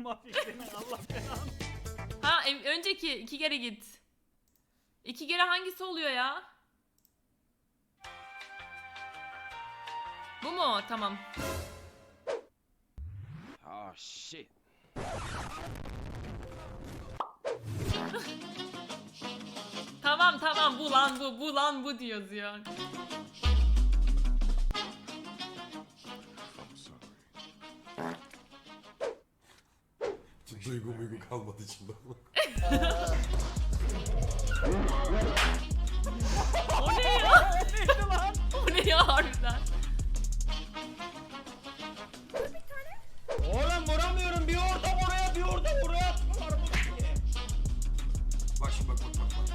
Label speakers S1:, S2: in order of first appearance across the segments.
S1: mafya senin Allah belanı.
S2: Ha önceki 2 kere git. 2 kere hangisi oluyor ya? Bu mu? Tamam.
S3: Oh shit.
S2: Tamam bu lan bu diyoruz ya.
S4: Duygu kalmadı içimde.
S2: O ne ya?
S1: Neydi lan?
S2: O ne ya harbiden?
S1: Oğlum vuramıyorum. Bir orada oraya bir orada buraya attılar bu diye.
S4: Bak şimdi bak.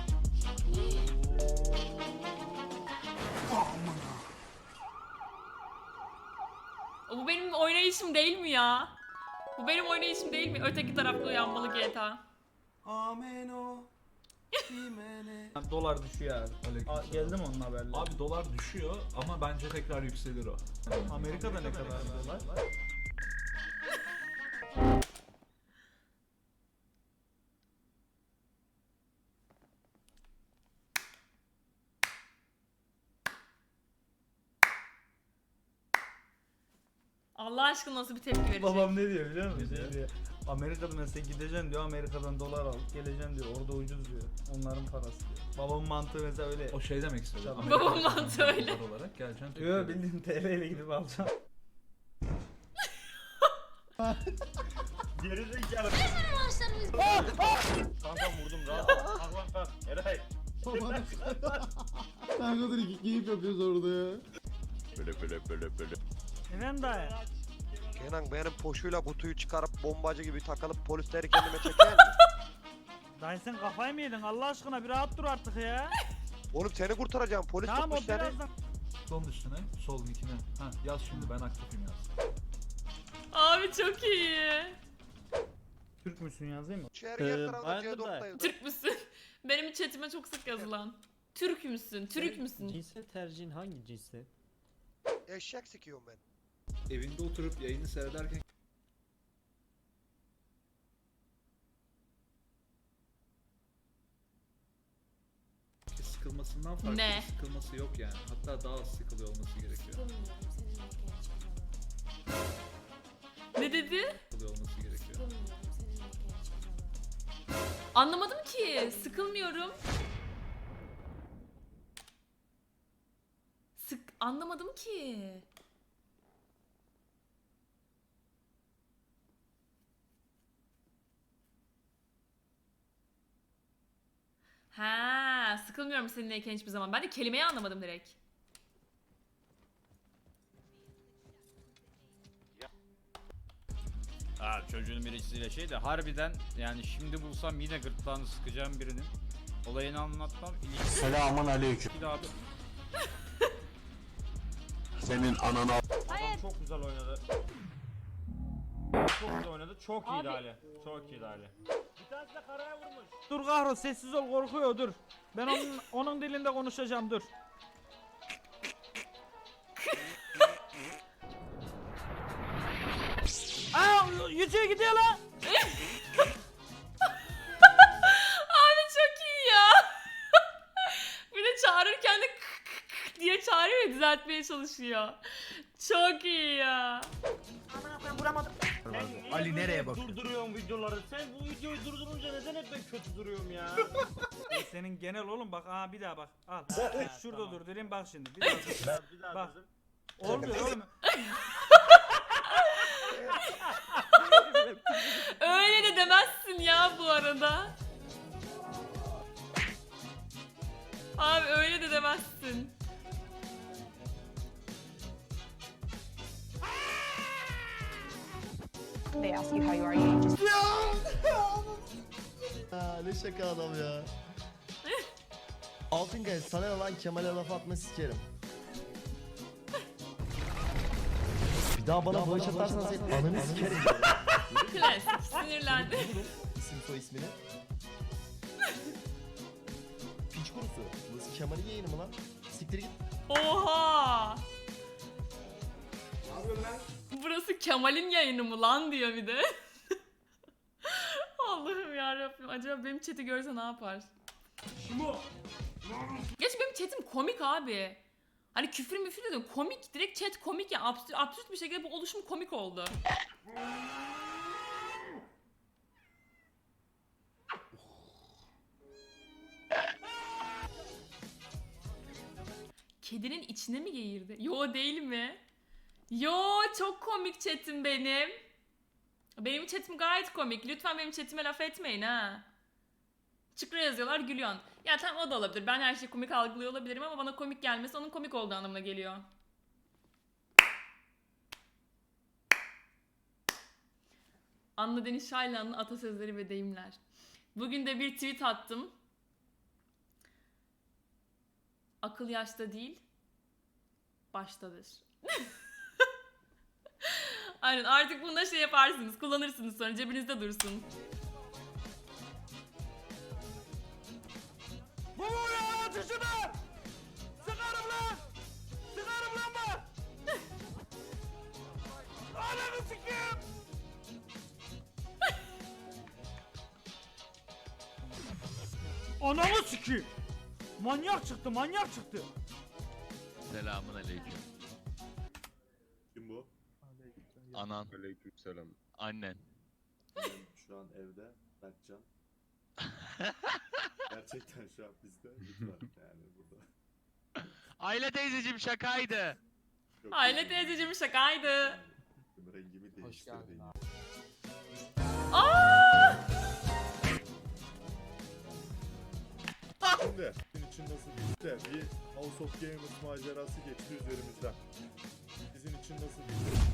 S2: Bu benim oynayışım değil mi ya? Bu benim oynayışım değil mi? Öteki tarafta uyanmalı GTA.
S4: Ameno. Dimene.
S1: Dolar düşüyor abi. Geldi mi onun haberleri?
S5: Abi dolar düşüyor ama bence tekrar yükselir o.
S1: Amerika'da ne kadar dolar?
S2: Allah aşkına nasıl bir tepki verecek?
S1: Babam ne diyor biliyor musun?
S5: Ne diyor?
S1: Diyor, Amerika'da mesela gideceksin diyor, Amerika'dan dolar al, geleceksin diyor, orada ucuz diyor. Onların parası diyor. Babamın mantığı mesela öyle.
S5: O şey demek istedim.
S1: Tabii.
S5: Amerika'dan
S2: Babamın mantığı öyle.
S5: dolar olarak geleceksin.
S1: Yok
S5: Türkiye'ye.
S1: bildiğin TL ile gidip alacağım. Geri zekalı. Kanka vurdum rahat. Kalk lan kalk. Eray.
S4: Kanka dur iki keyif yapıyoruz orada ya.
S6: Böyle.
S1: Efendim dayı.
S6: Kenan benim poşuyla kutuyu çıkarıp bombacı gibi takılıp polisleri kendime çeker mi?
S1: Dayı sen kafayı mı yedin Allah aşkına bir rahat dur artık ya.
S6: Oğlum seni kurtaracağım polis
S1: Tamam o
S6: tutmuş seni.
S1: birazdan.
S5: Solun üstüne, solun ikine. Ha yaz şimdi ben aktifim yaz.
S2: Abi çok iyi.
S1: Türk müsün yazayım mı?
S6: İçeri yer tarafında C4'tayım.
S2: Türk müsün? Benim chatime çok sık yazılan. Türk müsün? Türk müsün?
S7: Cinsel tercihin hangi cinsel?
S6: Eşek sikiyorum ben.
S5: Evinde oturup yayını seyrederken sıkılmasından farklı
S2: Ne?
S5: bir sıkılması yok yani. Hatta daha az sıkılıyor olması gerekiyor.
S2: Ne dedi?
S5: Sıkılıyor olması gerekiyor.
S2: Anlamadım ki. Sıkılmıyorum. Anlamadım ki. Ha, sıkılmıyorum seninleyken hiçbir zaman. Ben de kelimeyi anlamadım direkt.
S7: Ha çocuğun birisiyle şey de harbiden yani şimdi bulsam yine gırtlağını sıkacağım birinin. Olayını anlatmam.
S4: Selamun aleyküm.
S7: Bir daha abi.
S4: Senin anana.
S1: Adam çok güzel oynadı. Çok güzel oynadı. Çok iyiydi Ali. Çok iyiydi Ali. Bir tanesi de karaya vurmuş. Dur Kahro sessiz ol korkuyor dur. Ben onun dilinde konuşacağım dur. Aa yüzüğe gidiyor lan.
S2: Abi çok iyi ya. Bir de çağırırken de diye çağırıyor ya, düzeltmeye çalışıyor. Çok iyi ya.
S1: Ali nereye bak? Durduruyorum videoları. Sen bu videoyu durdurunca neden hep ben kötü duruyorum ya? Senin genel oğlum bak bir daha bak. Al. Şurada tamam. Durdurayım bak şimdi. Bir daha bak. Olmuyor oğlum.
S2: Öyle de demezsin ya bu arada. Abi öyle de demezsin.
S8: They ask you how you are, you just
S9: Ne şaka adam ya. Altınkaya sana lan Kemal'e laf atma sikerim. Bir daha bana bağış atarsan senin ananı sikerim.
S2: Klasik sinirlendi.
S9: İsim soy ismini. Piç kurusu. Burası Kemal'in yayını mı lan? Siktir git.
S2: Oha. Burası Kemal'in yayını mı lan diyor bir de. Allah'ım yarabbim. Acaba benim chat'i görse ne yapar? Gerçi benim chat'im komik abi. Hani küfür müfür dedim. Komik. Direkt chat komik ya. Absürt bir şekilde bu oluşum komik oldu. Kedinin içine mi geğirdi? Yo değil mi? Yo çok komik chat'im benim. Benim chat'im gayet komik. Lütfen benim chat'ime laf etmeyin ha. Çıkra yazıyorlar gülüyorsun. Ya tamam o da olabilir. Ben her şeyi komik algılıyor olabilirim ama bana komik gelmesi onun komik olduğu anlamına geliyor. Anna Deniz Şaylan'ın atasözleri ve deyimler. Bugün de bir tweet attım. Akıl yaşta değil, baştadır. Aynen artık bunda şey yaparsınız, kullanırsınız sonra cebinizde dursun.
S1: Bu ya ateşime! Sıkarım lan! Sıkarım lan bak! Ananı sikeyim! Ananı sikeyim! Manyak çıktı, manyak çıktı!
S3: Selamun aleyküm.
S4: Kim bu?
S3: Anan,
S4: Aleykümselam.
S3: annen.
S4: Şu an evde Berkcan. Gerçekten şu an bizde. Lütfen yani burada.
S3: Aile teyzeciğim şakaydı.
S4: Yok,
S2: Aile
S4: yani-
S2: teyzeciğim şakaydı.
S4: Yani rengimi değiştirdi. Şimdi gün için nasıl geçti? Bir House of Gamers macerası geçti üzerimizden. Sizin için nasıl geçti?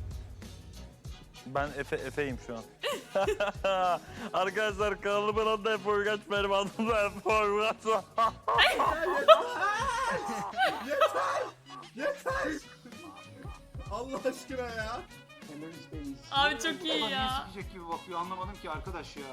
S10: Ben Efe'yim şu an. Arkadaşlar kanalımın adı Efe Uygaç, benim adım da Efe Uygaç.
S4: Yeter! Allah aşkına ya!
S2: Abi çok iyi ya.
S9: Sikecek gibi bakıyor anlamadım ki arkadaş ya.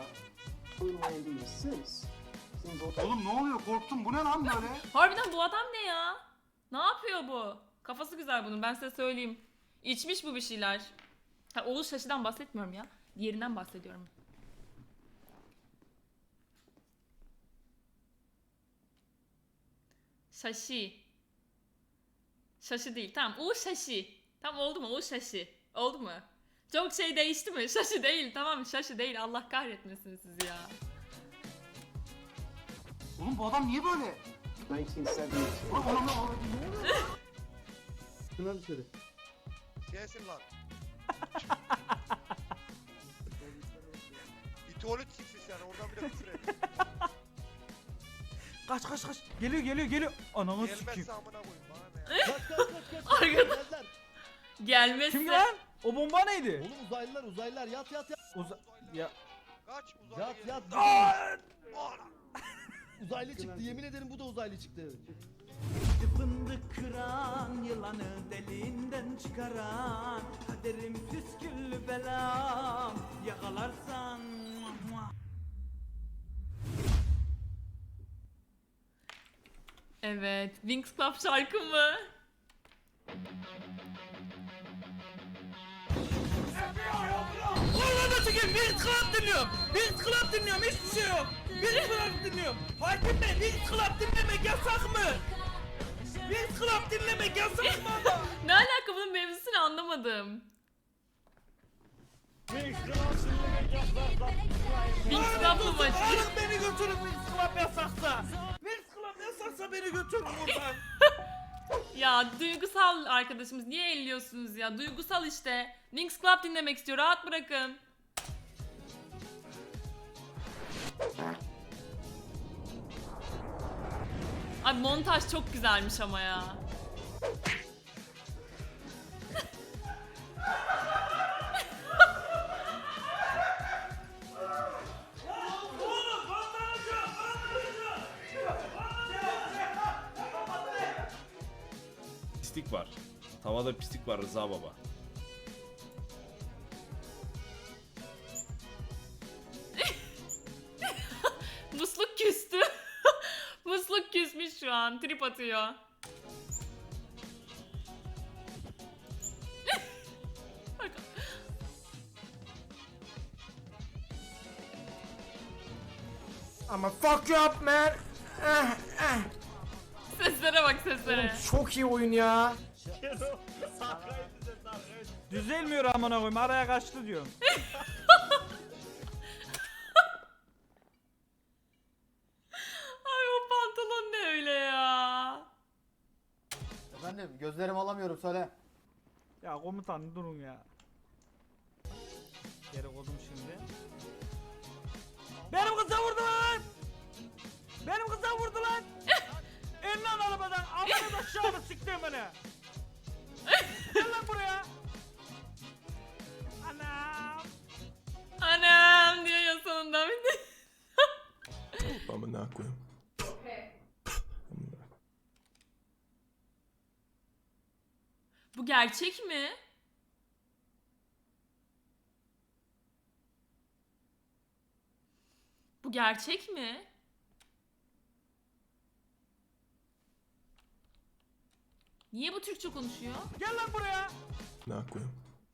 S9: Oğlum ne oluyor korktum bu ne lan böyle?
S2: Harbiden bu adam ne ya? Ne yapıyor bu? Kafası güzel bunun ben size söyleyeyim. İçmiş bu bir şeyler. Ha, Oğuz Şaşı'dan bahsetmiyorum ya. Diğerinden bahsediyorum. Şaşı. Şaşı değil. Tamam. Uğur Şaşı. Tamam oldu mu? Uğur Şaşı. Oldu mu? Çok şey değişti mi? Şaşı değil. Tamam Şaşı değil. Allah kahretmesin sizi ya.
S9: Oğlum bu adam niye böyle? 1970. Oğlum
S4: Şuna dışarı.
S6: Sensin lan. Bir tuvalet siksin yani oradan bile küfür et.
S1: Kaç kaç kaç! Geliyor geliyor geliyor! Ananı sikeyim!
S6: Gelmezse amına koyayım bana ne ya.
S2: Arkadaş. Gelmezse.
S1: Kim lan? O bomba neydi?
S9: Oğlum uzaylılar yat.
S1: Ya...
S6: Kaç uzaylı geliyor.
S1: Aa!
S9: Uzaylı çıktı yemin ederim bu da uzaylı çıktı.
S1: Fındık kıran, yılanı deliğinden çıkaran, kaderim püsküllü belam, yakalarsan.
S2: Evet. Wings Club şarkı mı?
S1: Vallahi sikeyim, Wings Club dinliyorum. Wings Club dinliyorum, hiçbir şey yok. Wings Club dinliyorum. Hakim Bey, Wings Club dinlemek yasak mı? Wings Club dinlemek yasak mı ama?
S2: Ne alaka bunun mevzusunu anlamadım.
S1: Wings Club dinlemek yasak.
S2: Wings Club mı maçı?
S1: Alın beni götürün Wings Club yasaksa. Wings Club yasaksa beni götürün buradan.
S2: Ya duygusal arkadaşımız niye elliyorsunuz ya? Duygusal işte. Wings Club dinlemek istiyor. Rahat bırakın. Abi montaj çok güzelmiş ama ya.
S11: Pislik var. Tavada pislik var Rıza baba.
S2: Musluk küstü. Musluk küsmüş şu an. Trip atıyor. Bak.
S1: Ama fuck you up man.
S2: Seslere bak seslere.
S1: Çok iyi oyun ya. Düzelmiyor amına koyayım. Araya kaçtı diyorum.
S2: Ay o pantolon ne öyle ya?
S9: Efendim gözlerimi alamıyorum söyle.
S1: Ya komutan durun ya. Geri koydum şimdi. Benim kıza vurdu lan! Benim kıza vurdu lan! İn lan arabadan! Amına da aşağıda siktir beni! Gel lan buraya! Anam!
S2: Anam diyor ya sonunda bir de.
S4: Amına koyayım.
S2: Bu gerçek mi? Bu gerçek mi? Niye bu Türkçe konuşuyor?
S1: Gel lan buraya!
S4: Amına koyayım.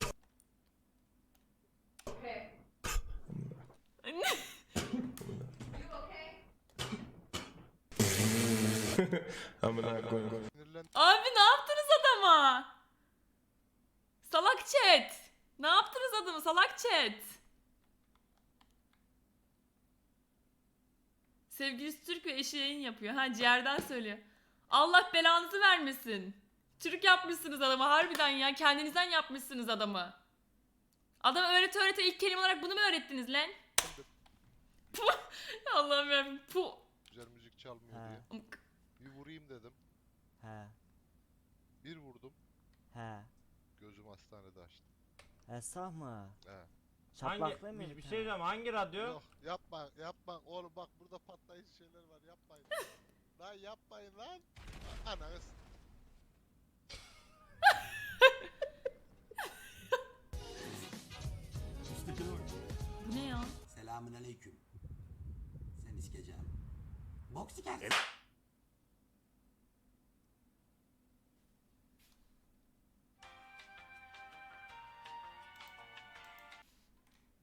S4: Amına koyayım.
S2: Abi ne yaptınız adama? Salak chat. Ne yaptınız adamı salak chat? Sevgilisi Türk ve eşi yayın yapıyor. Ha ciğerden söylüyor. Allah belanızı vermesin. Türk yapmışsınız adamı harbiden ya. Kendinizden yapmışsınız adamı. Adam öğrete ilk kelime olarak bunu mu öğrettiniz lan? Puh. Allah'ım yarabbim. Puh.
S4: Güzel müzik çalmıyor diye. Bir vurayım dedim.
S9: He
S4: Bir vurdum.
S9: he.
S4: Gözüm hastanede açtı.
S9: Esah mı?
S4: He.
S9: Çatlaklı mı?
S1: Bir şey diyeceğim hangi radyo?
S4: Yok yapma oğlum bak burada patlayıcı şeyler var yapmayın. Lan yapmayın lan. Ananız.
S2: Bu ne ya?
S9: Selamünaleyküm. Sen iskeceğim. Bok sikersin.